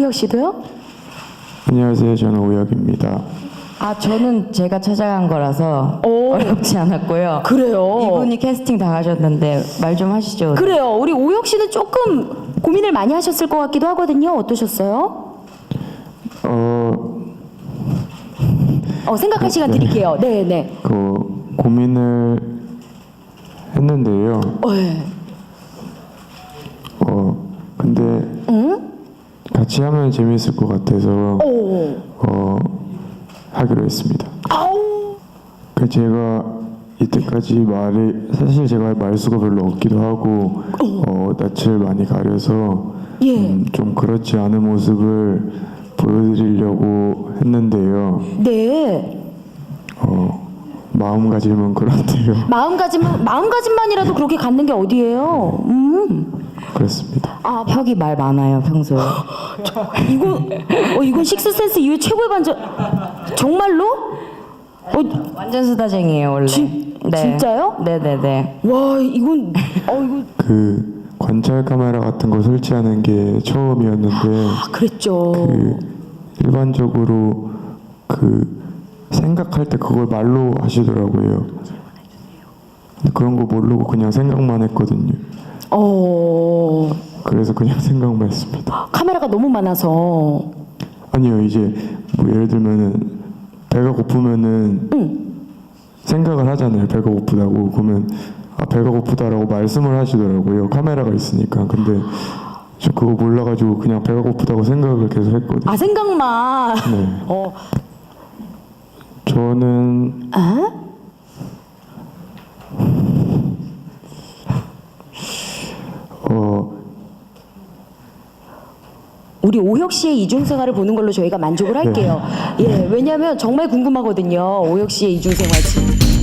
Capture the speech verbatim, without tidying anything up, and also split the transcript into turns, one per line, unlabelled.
오혁 씨도요?
안녕하세요. 저는 오혁입니다.
아, 저는 제가 찾아간 거라서
오.
어렵지 않았고요.
그래요.
이분이 캐스팅 당하셨는데 말 좀 하시죠.
그래요. 우리 오혁 씨는 조금 고민을 많이 하셨을 것 같기도 하거든요. 어떠셨어요?
어,
어, 생각할 시간 드릴게요. 네, 네.
그 고민을 했는데요.
어, 네.
어, 근데
응?
같이 하면 재미있을 것 같아서
오.
어, 하기로 했습니다.
아우.
그 제가 이때까지 말이 사실 제가 말수가 별로 없기도 하고 어, 낯을 많이 가려서
예.
음, 좀 그렇지 않은 모습을 보여드리려고 했는데요.
네.
어, 마음가짐은 그런데요.
마음가짐 마음가짐만이라도 그렇게 갖는 게 어디예요? 음.
그렇습니다.
아,
혁이 말 많아요, 평소에.
이건 어 이건 식스센스 이후에 최고의 반전. 정말로? 어,
완전 수다쟁이에요, 원래.
진- 진짜요?
네네네.
와, 이건 어 이거
그 관찰 카메라 같은 거 설치하는 게 처음이었는데
아, 그랬죠.
그 일반적으로 그 생각할 때 그걸 말로 하시더라고요. 근데 그런 거 모르고 그냥 생각만 했거든요.
어.
그래서 그냥 생각만 했습니다.
카메라가 너무 많아서.
아니요, 이제 뭐 예를 들면은 배가 고프면은 생각을 하잖아요. 배가 고프다고. 그러면 아, 배가 고프다라고 말씀을 하시더라고요. 카메라가 있으니까. 근데 저 그거 몰라가지고 그냥 배가 고프다고 생각을 계속 했거든요.
아, 생각만.
네.
어.
저는
아?
어
우리 오혁 씨의 이중생활을 보는 걸로 저희가 만족을 할게요. 예, 왜냐하면 정말 궁금하거든요. 오혁 씨의 이중생활.